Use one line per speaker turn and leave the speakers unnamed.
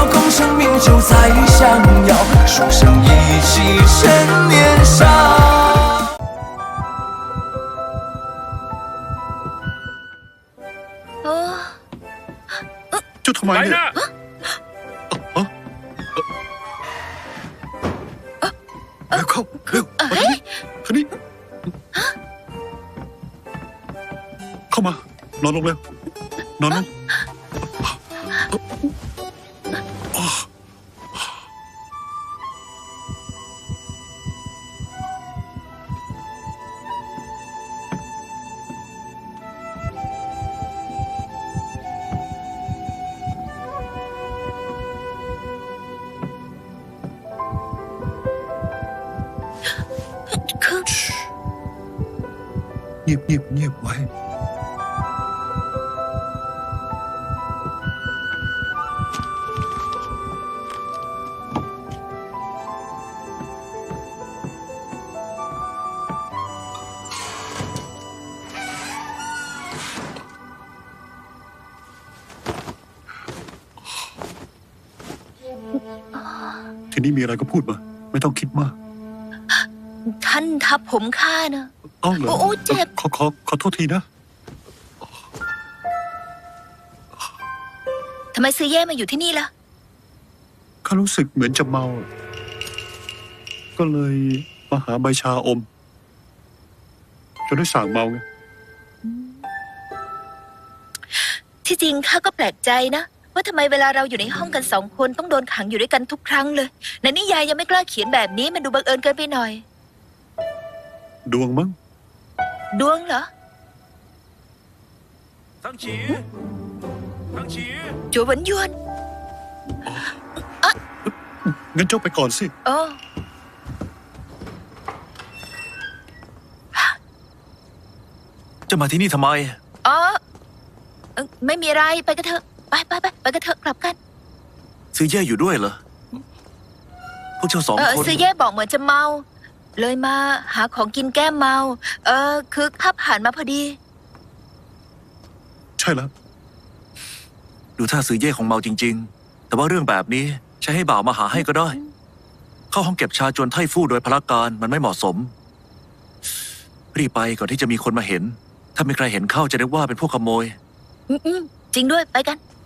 空生命就在相邀，书生意气趁年少。
เจ้าทำไมเนี่ยเร็วเข้าเร็วมาทางนี้เข้ามานอนลงเร็วนอนลงเงียบเงียบเงียบไว้ทีนี้มีอะไรก็พูดมาไม่ต้องคิดมาก
ท่านทับผมข้านะ
อ้าวเหรอ
โอ้เจ็บ
ขอโทษทีนะ
ทำไมซื้อแย่มาอยู่ที่นี่ล่ะ
ข้ารู้สึกเหมือนจะเมาก็เลยมาหาใบชาอมจนได้สั่งเมาไง
ที่จริงข้าก็แปลกใจนะว่าทำไมเวลาเราอยู่ในห้องกัน2 คนต้องโดนขังอยู่ด้วยกันทุกครั้งเลยในนิยายยังไม่กล้าเขียนแบบนี้มันดูบังเอิญเกินไปหน่อย
ดวงมั้ง
ดวงเหรอ
ทั้งฉี
จัวหวนยวน
งั้นเจ้าไปก่อนสิ
จะมาที่นี่ทำไม
ไม่มีอะไรไปกันเถอะไปกันเถอะกลับกัน
ซื้อแย่อยู่ด้วยเหรอพวกเจ้า2 คน
ซื้อแย่บอกเหมือนจะเมาเลยมาหาของกินแก้เมาคือข้าผ่านมาพอดี
ใช่แล้ว
ดูท่าซื้อแย่ของเมาจริงๆแต่ว่าเรื่องแบบนี้ใช้ให้บ่าวมาหาให้ก็ได้เข้าห้องเก็บชาจวนไถ่ฟู่โดยพละการมันไม่เหมาะสมรีบไปก่อนที่จะมีคนมาเห็นถ้ามีใครเห็นเข้าจะนึกว่าเป็นพวกขโมย
จริงด้วยไปกัน